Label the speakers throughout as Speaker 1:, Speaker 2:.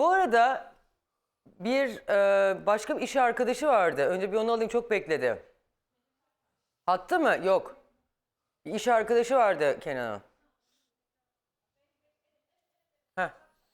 Speaker 1: Bu arada bir başka bir iş arkadaşı vardı. Önce bir onu alayım, çok bekledi. Hatta mı? Yok. Bir iş arkadaşı vardı Kenan'ın. Heh.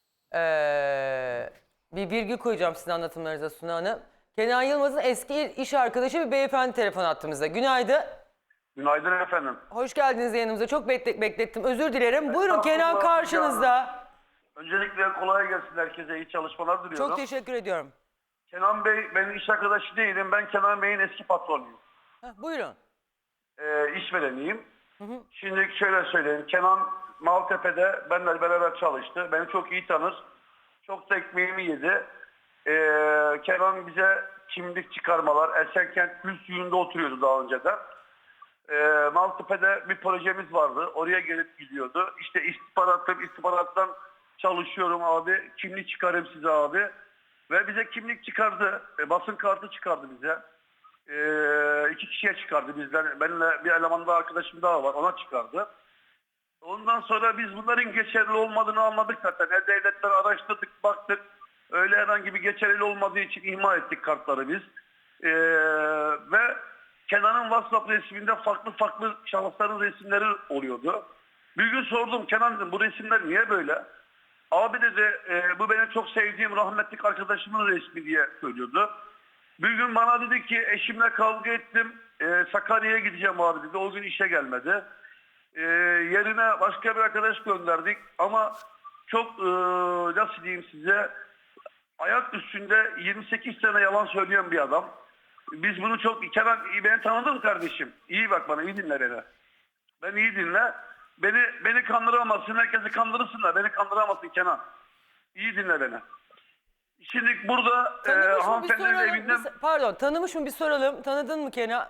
Speaker 1: Bir virgül koyacağım sizin anlatımlarınıza Suna Hanım. Kenan Yılmaz'ın eski iş arkadaşı bir beyefendi telefon attığımızda. Günaydın.
Speaker 2: Günaydın efendim.
Speaker 1: Hoş geldiniz yanımıza. Çok beklettim. Özür dilerim. Buyurun, Kenan
Speaker 2: Estağfurullah,
Speaker 1: karşınızda.
Speaker 2: Öncelikle kolay gelsin herkese. İyi çalışmalar diliyorum.
Speaker 1: Çok teşekkür ediyorum.
Speaker 2: Kenan Bey, benim iş arkadaşı değilim. Ben Kenan Bey'in eski patronuyum.
Speaker 1: Buyurun.
Speaker 2: İşvereniyim. Şimdi şöyle söyleyeyim. Kenan Maltepe'de benimle beraber çalıştı. Beni çok iyi tanır. Çok da ekmeğimi yedi. Kenan bize kimlik çıkarmalar, Esenkent Gül Suyu'nda oturuyordu daha önceden. Maltepe'de bir projemiz vardı. Oraya gelip gidiyordu. İşte istihbarattan çalışıyorum abi. Kimlik çıkarayım size abi. Ve bize kimlik çıkardı. Basın kartı çıkardı bize. 2 kişiye çıkardı bizden. Benimle bir eleman daha, arkadaşım daha var. Ona çıkardı. Ondan sonra biz bunların geçerli olmadığını anladık zaten. Devletler araştırdık, baktık. Öyle herhangi bir geçerli olmadığı için ihmal ettik kartları biz. Ve Kenan'ın WhatsApp resminde farklı şahısların resimleri oluyordu. Bir gün sordum, Kenan dedim, bu resimler niye böyle? Abi dedi, bu benim çok sevdiğim rahmetli arkadaşımın resmi diye söylüyordu. Bir gün bana dedi ki, eşimle kavga ettim, Sakarya'ya gideceğim abi dedi. O gün işe gelmedi. Yerine başka bir arkadaş gönderdik ama çok nasıl diyeyim size, ayak üstünde 28 sene yalan söyleyen bir adam. Biz bunu çok... Kenan, beni tanıdın mı kardeşim? İyi bak bana, iyi dinle beni. Ben iyi dinle. Beni kandıramazsın, herkesi kandırırsın da beni kandıramazsın Kenan. İyi dinle beni. Şimdi burada hanımefendinin evinden...
Speaker 1: Pardon, tanımış mı bir soralım. Tanıdın mı Kenan?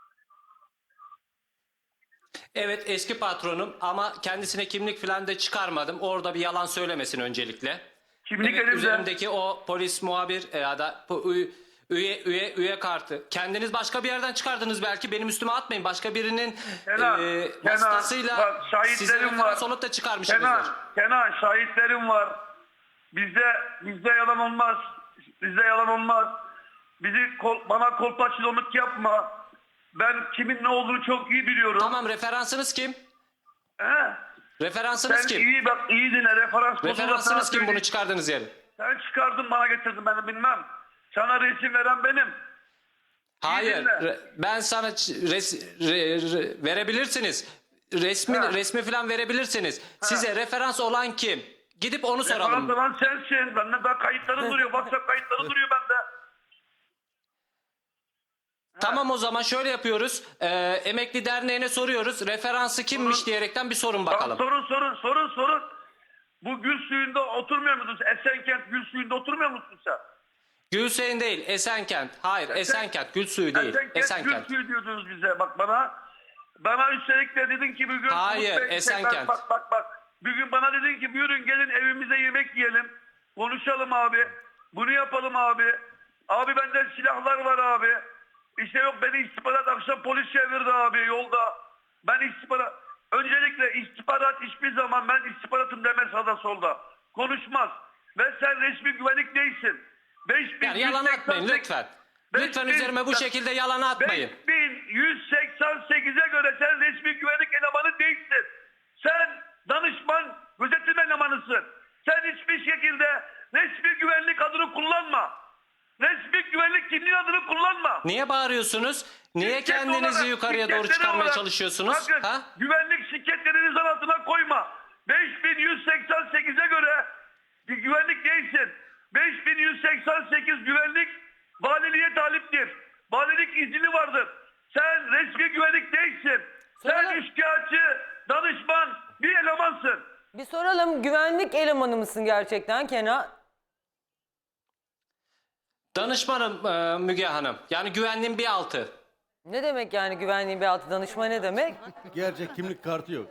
Speaker 3: Evet, eski patronum ama kendisine kimlik falan da çıkarmadım. Orada bir yalan söylemesin öncelikle.
Speaker 2: Kimlik
Speaker 3: Evet,
Speaker 2: elimde.
Speaker 3: üzerimdeki o polis muhabir ya da üye kartı. Kendiniz başka bir yerden çıkardınız belki. Benim üstüme atmayın. Başka birinin vasıtasıyla
Speaker 2: bak,
Speaker 3: size referans olup da çıkarmışsınızdır.
Speaker 2: Kenan, şahitlerim var. Bizde yalan olmaz. Bizde yalan olmaz. Bana kolpaçlılık yapma. Ben kimin ne olduğunu çok iyi biliyorum.
Speaker 3: Tamam, referansınız kim?
Speaker 2: He?
Speaker 3: Referansınız
Speaker 2: Sen
Speaker 3: kim?
Speaker 2: iyi dinle.
Speaker 3: Referansınız kim bunu çıkardığınız yeri?
Speaker 2: Sen çıkardın, bana getirdin, ben bilmem. Sana resim veren benim.
Speaker 3: Hayır.
Speaker 2: dinle.
Speaker 3: Ben sana verebilirsiniz. Resmi falan verebilirsiniz. Size referans olan kim? Gidip onu soralım.
Speaker 2: Referans olan sensin. Bende daha kayıtları duruyor. WhatsApp kayıtları duruyor bende.
Speaker 3: Tamam, o zaman şöyle yapıyoruz. Emekli Derneği'ne soruyoruz. Referansı kimmiş diyerekten bir sorun bakalım.
Speaker 2: Sorun. Bu Gül Suyu'nda oturmuyor musunuz? Esenkent Gül Suyu'nda oturmuyor musun sen?
Speaker 3: Gülseyin değil, Esenkent. Hayır, Esenkent. Gül Suyu değil. Esenkent.
Speaker 2: Gül Suyu diyordunuz bize. Bak bana. Bana üstelik de dedin ki bugün...
Speaker 3: Hayır, Esenkent.
Speaker 2: Bak. Bugün bana dedin ki buyurun gelin evimize yemek yiyelim. Konuşalım abi. Bunu yapalım abi. Abi bende silahlar var abi. İşte yok, beni istihbarat akşam polis çevirdi abi yolda. Öncelikle istihbarat hiçbir zaman ben istihbaratım demez sağda solda. Konuşmaz. Ve sen resmi güvenlik değilsin.
Speaker 3: Yani yalan atmayın lütfen. Lütfen üzerime bu şekilde yalan atmayın.
Speaker 2: 5188'e göre sen resmi güvenlik elemanı değilsin. Sen danışman, gözetim elemanısın. Sen hiçbir şekilde resmi güvenlik adını kullanma. Resmi güvenlik kimliği adını kullanma.
Speaker 3: Niye bağırıyorsunuz? Niye
Speaker 2: Şirket
Speaker 3: kendinizi
Speaker 2: olarak,
Speaker 3: yukarıya doğru
Speaker 2: şirketleri
Speaker 3: çıkarmaya
Speaker 2: olarak,
Speaker 3: çalışıyorsunuz?
Speaker 2: bakın,
Speaker 3: Ha?
Speaker 2: güvenlik şirketlerini zan altına koyma. 5188'e göre bir güvenlik değilsin. 5188 güvenlik valiliğe taliptir. Valilik izni vardır. Sen resmi güvenlik değilsin. Sen üçkağıtçı, danışman bir elemansın.
Speaker 1: Bir soralım, güvenlik elemanı mısın gerçekten Kenan?
Speaker 3: Danışmanım Müge Hanım. Yani güvenliğin bir altı.
Speaker 1: Ne demek yani güvenliğin bir altı, danışma ne demek?
Speaker 4: Gerçek kimlik kartı yok.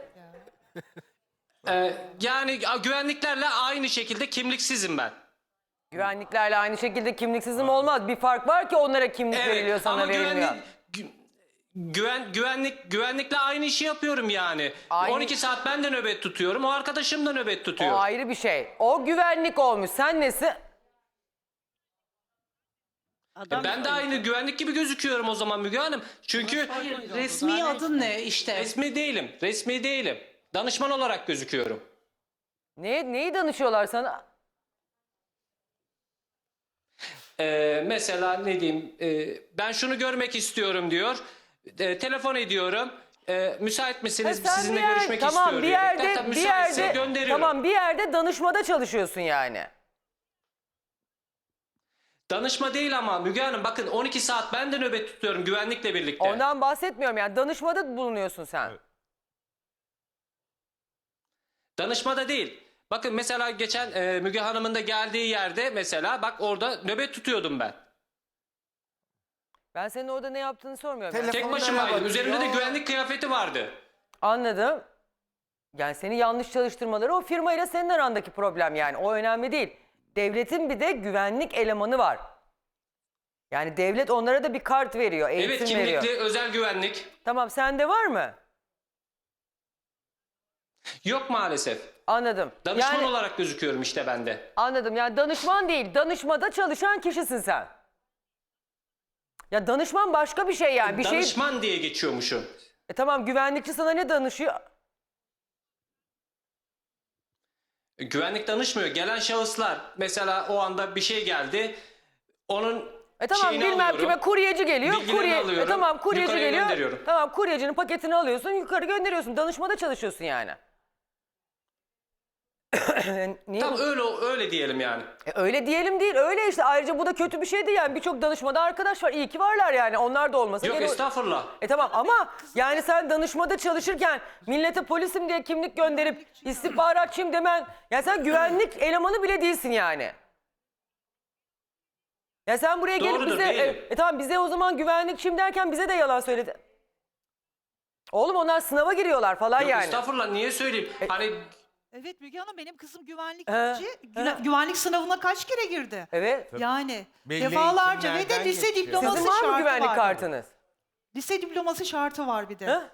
Speaker 3: Yani güvenliklerle aynı şekilde kimliksizim ben.
Speaker 1: Güvenliklerle aynı şekilde kimliksizim olmaz. Bir fark var ki onlara kimlik veriliyor, sana
Speaker 3: ama
Speaker 1: verilmiyor.
Speaker 3: Güvenlikle aynı işi yapıyorum yani.
Speaker 1: Aynı-
Speaker 3: 12 saat ben de nöbet tutuyorum. O arkadaşım da nöbet
Speaker 1: O
Speaker 3: tutuyor.
Speaker 1: ayrı bir şey. O güvenlik olmuş. Sen nesin?
Speaker 3: Ben de aynı güvenlik gibi gözüküyorum o zaman Müge Hanım. Çünkü
Speaker 5: Resmi adın ne işte?
Speaker 3: resmi değilim. Resmi değilim. Danışman olarak gözüküyorum.
Speaker 1: Neyi danışıyorlar sana?
Speaker 3: Mesela ne diyeyim, ben şunu görmek istiyorum diyor. Telefon ediyorum. Müsait misiniz?
Speaker 1: Ha, sen
Speaker 3: Sizinle
Speaker 1: bir yer-
Speaker 3: görüşmek
Speaker 1: tamam,
Speaker 3: istiyor.
Speaker 1: bir
Speaker 3: diyerekten.
Speaker 1: yerde
Speaker 3: Tabii
Speaker 1: bir
Speaker 3: müsaitse
Speaker 1: yerde
Speaker 3: gönderiyorum.
Speaker 1: tamam bir yerde danışmada çalışıyorsun yani.
Speaker 3: Danışma değil ama Müge Hanım bakın 12 saat ben de nöbet tutuyorum güvenlikle birlikte.
Speaker 1: Ondan bahsetmiyorum yani danışmada bulunuyorsun sen.
Speaker 3: Danışmada değil. Bakın mesela geçen Müge Hanım'ın da geldiği yerde mesela bak orada nöbet tutuyordum ben.
Speaker 1: Ben senin orada ne yaptığını sormuyorum. yani.
Speaker 3: Tek başımaydım. Üzerimde de güvenlik kıyafeti vardı.
Speaker 1: Anladım. Yani seni yanlış çalıştırmaları o firmayla senin arandaki problem yani. O önemli değil. Devletin bir de güvenlik elemanı var. Yani devlet onlara da bir kart veriyor, eğitim
Speaker 3: Evet kimlikli
Speaker 1: veriyor.
Speaker 3: özel güvenlik.
Speaker 1: Tamam sende var mı?
Speaker 3: Yok maalesef.
Speaker 1: Anladım.
Speaker 3: Danışman
Speaker 1: yani,
Speaker 3: olarak gözüküyorum işte ben de.
Speaker 1: Anladım. Yani danışman değil, danışmada çalışan kişisin sen. Ya danışman başka bir şey yani. Bir şey.
Speaker 3: Danışman diye geçiyormuşum.
Speaker 1: Tamam güvenlikçi sana ne danışıyor?
Speaker 3: Güvenlik danışmıyor. Gelen şahıslar mesela o anda bir şey geldi. Onun
Speaker 1: Tamam
Speaker 3: şeyini
Speaker 1: bilmem
Speaker 3: alıyorum.
Speaker 1: kime kuryeci geliyor.
Speaker 3: Bilgilerini alıyorum,
Speaker 1: Tamam kuryeci
Speaker 3: yukarıya
Speaker 1: geliyor.
Speaker 3: gönderiyorum.
Speaker 1: Tamam kuryecinin paketini alıyorsun yukarı gönderiyorsun. Danışmada çalışıyorsun yani. Niye
Speaker 3: Tam
Speaker 1: bu-
Speaker 3: öyle diyelim yani.
Speaker 1: Öyle diyelim değil öyle işte ayrıca bu da kötü bir şey değil yani birçok danışmada arkadaş var iyi ki varlar yani onlar da olmasa.
Speaker 3: Yok
Speaker 1: gene-
Speaker 3: estağfurullah.
Speaker 1: Tamam ama yani sen danışmada çalışırken millete polisim diye kimlik gönderip istihbaratçıyım demen ya sen güvenlik elemanı bile değilsin yani. Ya sen buraya gelip
Speaker 3: Doğrudur,
Speaker 1: bize
Speaker 3: değilim.
Speaker 1: tamam bize o zaman güvenlikçiyim derken bize de yalan söyledi. Oğlum onlar sınava giriyorlar falan
Speaker 3: Yok
Speaker 1: yani.
Speaker 3: estağfurullah niye söyleyeyim? Hani
Speaker 5: Evet Müge Hanım benim kızım güvenlikçi.
Speaker 1: He.
Speaker 5: Güvenlik sınavına kaç kere girdi?
Speaker 1: Evet.
Speaker 5: Yani
Speaker 6: Belli
Speaker 5: defalarca ve de
Speaker 6: eğitimlerden
Speaker 5: lise
Speaker 6: geçiyor.
Speaker 5: diploması
Speaker 1: Sizin var
Speaker 5: şartı
Speaker 1: mı güvenlik
Speaker 5: var.
Speaker 1: kartınız?
Speaker 5: Lise diploması şartı var bir de.
Speaker 1: Ha?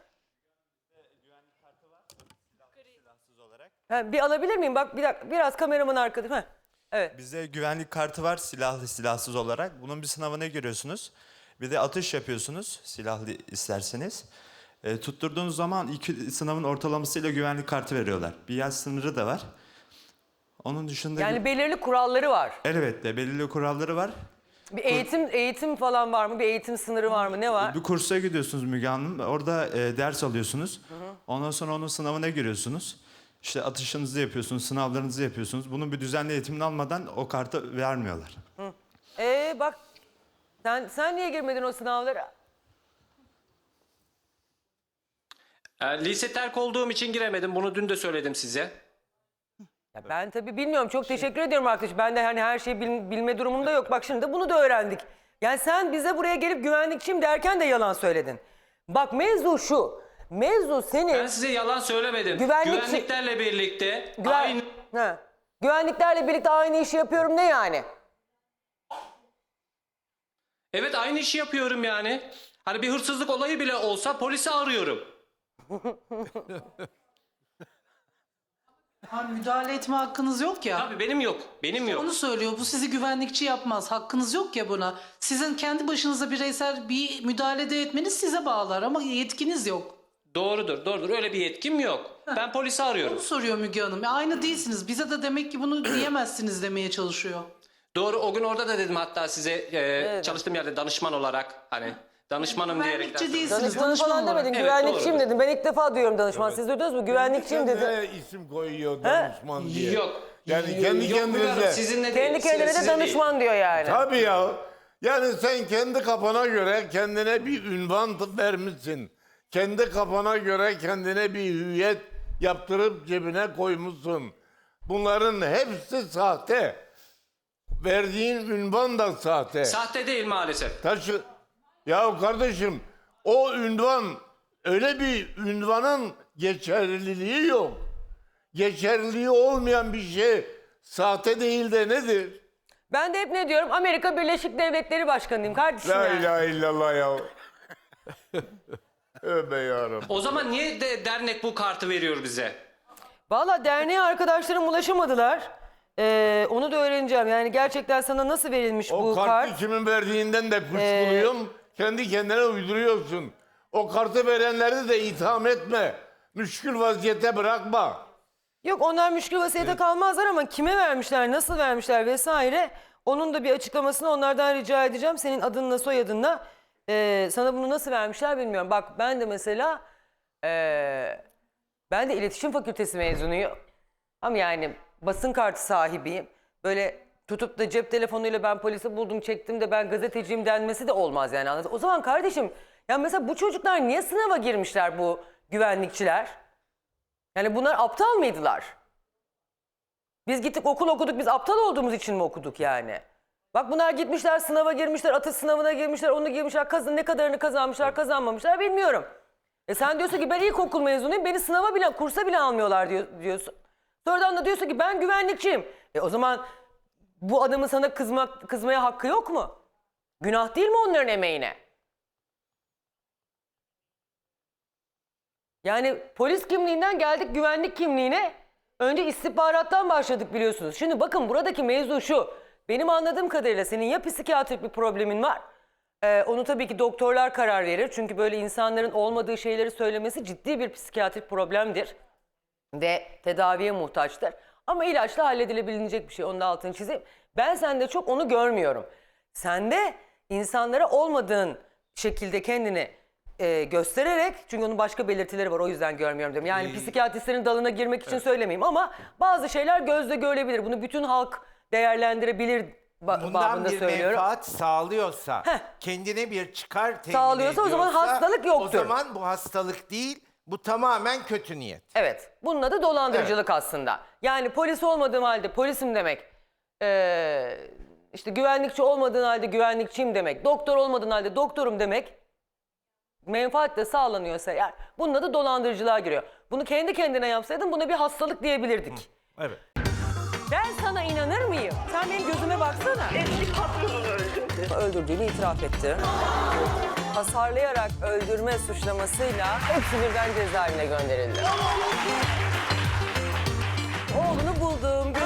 Speaker 1: Ha, bir alabilir miyim? Bak bir dakika biraz kameraman arkada. Ha. Evet.
Speaker 6: Bizde güvenlik kartı var silahlı silahsız olarak. Bunun bir sınavına giriyorsunuz. Bir de atış yapıyorsunuz silahlı isterseniz. Tutturduğunuz zaman iki sınavın ortalamasıyla güvenlik kartı veriyorlar. Bir yaş sınırı da var. Onun dışında
Speaker 1: Yani belirli kuralları var.
Speaker 6: elbette belirli kuralları var.
Speaker 1: Bir eğitim falan var mı? Bir eğitim sınırı var mı? Ne var?
Speaker 6: Bir kursa gidiyorsunuz Müge Hanım. Orada ders alıyorsunuz. Ondan sonra onun sınavına giriyorsunuz. İşte atışınızı yapıyorsunuz, sınavlarınızı yapıyorsunuz. Bunun bir düzenli eğitimini almadan o kartı vermiyorlar.
Speaker 1: Bak sen niye girmedin o sınavlara?
Speaker 3: lise terk olduğum için giremedim. Bunu dün de söyledim size.
Speaker 1: Ya ben tabii bilmiyorum. Çok teşekkür ediyorum arkadaş. Ben de hani her şeyi bilme durumumda yok. Bak şimdi de bunu da öğrendik. Yani sen bize buraya gelip güvenlikçiyim derken de yalan söyledin. Bak mevzu şu. Mevzu senin
Speaker 3: Ben size yalan söylemedim. Güvenliklerle birlikte aynı...
Speaker 1: Güvenliklerle birlikte aynı işi yapıyorum ne yani?
Speaker 3: Evet aynı işi yapıyorum yani. Hani bir hırsızlık olayı bile olsa polisi arıyorum.
Speaker 5: Ha, müdahale etme hakkınız yok ya.
Speaker 3: Tabii benim yok. Benim yok.
Speaker 7: Onu söylüyor. Bu sizi güvenlikçi yapmaz. Hakkınız yok ya buna. Sizin kendi başınıza bireysel bir müdahale de etmeniz size bağlar ama yetkiniz yok.
Speaker 3: Doğrudur. Öyle bir yetkim yok. Ben polisi arıyorum.
Speaker 7: Onu soruyor Müge Hanım. Aynı değilsiniz. Bize de demek ki bunu diyemezsiniz demeye çalışıyor.
Speaker 3: Doğru o gün orada da dedim hatta size çalıştığım yerde danışman olarak hani danışmanım diyerekten.
Speaker 7: Güvenlikçi değilsiniz.
Speaker 1: Danışman
Speaker 7: Danışman
Speaker 1: falan
Speaker 7: olarak.
Speaker 1: demedin.
Speaker 3: Evet,
Speaker 1: Güvenlikçiyim
Speaker 3: doğru.
Speaker 1: dedin. Ben ilk defa duyuyorum danışman. Siz duydunuz mu? Güvenlikçiyim dedin.
Speaker 8: Kendine isim koyuyor danışman diye.
Speaker 3: Yok.
Speaker 8: Yani kendi
Speaker 3: Yok, Müge Hanım,
Speaker 8: kendinize.
Speaker 3: sizinle
Speaker 1: Kendi
Speaker 3: değil,
Speaker 1: kendine de
Speaker 3: sizinle değil.
Speaker 1: danışman diyor yani.
Speaker 8: Tabii ya. Yani sen kendi kafana göre kendine bir ünvan vermişsin. Kendi kafana göre kendine bir hüviyet yaptırıp cebine koymuşsun. Bunların hepsi sahte. Verdiğin ünvan da sahte.
Speaker 3: Sahte değil maalesef.
Speaker 8: Ya kardeşim o ünvan öyle bir ünvanın geçerliliği yok. Geçerliliği olmayan bir şey sahte değil de nedir?
Speaker 1: Ben de hep ne diyorum? Amerika Birleşik Devletleri Başkanıyım kardeşim
Speaker 8: La
Speaker 1: yani.
Speaker 8: ilahe illallah ya. Tövbe yarabbim.
Speaker 3: O zaman niye dernek bu kartı veriyor bize?
Speaker 1: Valla derneğe arkadaşlarım ulaşamadılar. Onu da öğreneceğim. Yani gerçekten sana nasıl verilmiş
Speaker 8: O
Speaker 1: bu
Speaker 8: kartı
Speaker 1: kart?
Speaker 8: kimin verdiğinden de kuşkuluyum. Kendi kendine uyduruyorsun. O kartı verenleri de itham etme. Müşkül vaziyete bırakma.
Speaker 1: Yok onlar müşkül vasiyete kalmazlar ama kime vermişler, nasıl vermişler vesaire. Onun da bir açıklamasını onlardan rica edeceğim. Senin adınla soyadınla sana bunu nasıl vermişler bilmiyorum. Bak ben de mesela ben de iletişim fakültesi mezunuyum. Ama yani basın kartı sahibiyim. Böyle tutup da cep telefonuyla ben polisi buldum çektim de ben gazeteciyim denmesi de olmaz yani anladın. O zaman kardeşim ya mesela bu çocuklar niye sınava girmişler bu güvenlikçiler? Yani bunlar aptal mıydılar? Biz gittik okul okuduk biz aptal olduğumuz için mi okuduk yani? Bak bunlar gitmişler sınava girmişler atış sınavına girmişler onu girmişler ne kadarını kazanmışlar kazanmamışlar bilmiyorum. Sen diyorsun ki ben ilkokul mezunuyum beni sınava bile kursa bile almıyorlar diyorsun. Sonradan da diyorsun ki ben güvenlikçiyim. O zaman bu adamın sana kızmaya hakkı yok mu? Günah değil mi onların emeğine? Yani polis kimliğinden geldik güvenlik kimliğine. Önce istihbarattan başladık biliyorsunuz. Şimdi bakın buradaki mevzu şu. Benim anladığım kadarıyla senin ya psikiyatrik bir problemin var. Onu tabii ki doktorlar karar verir. Çünkü böyle insanların olmadığı şeyleri söylemesi ciddi bir psikiyatrik problemdir. Ve tedaviye muhtaçtır. Ama ilaçla halledilebilecek bir şey. Onun da altını çizeyim. Ben sende çok onu görmüyorum. Sende insanlara olmadığın şekilde kendini göstererek, çünkü onun başka belirtileri var o yüzden görmüyorum diyorum. Yani psikiyatristlerin dalına girmek için söylemeyeyim ama bazı şeyler gözle görülebilir. Bunu bütün halk değerlendirebilir
Speaker 9: Bundan
Speaker 1: babında
Speaker 9: bir
Speaker 1: söylüyorum.
Speaker 9: menfaat sağlıyorsa, kendine bir çıkar temin
Speaker 1: Sağlıyorsa o zaman
Speaker 9: ediyorsa,
Speaker 1: hastalık yoktur.
Speaker 9: O zaman bu hastalık değil, bu tamamen kötü niyet.
Speaker 1: Evet. Bunun adı dolandırıcılık aslında. Yani polis olmadığım halde polisim demek. İşte güvenlikçi olmadığın halde güvenlikçiyim demek. Doktor olmadığın halde doktorum demek. Menfaat de sağlanıyorsa eğer bunun adı dolandırıcılığa giriyor. Bunu kendi kendine yapsaydın buna bir hastalık diyebilirdik.
Speaker 9: Evet.
Speaker 1: Ben sana inanır mıyım? Sen benim gözüme baksana.
Speaker 10: Eski patronunu öldürdü.
Speaker 1: Öldürdüğünü itiraf etti. Hasarlayarak öldürme suçlamasıyla hepsi birden cezaevine gönderildi. Oğlunu buldum,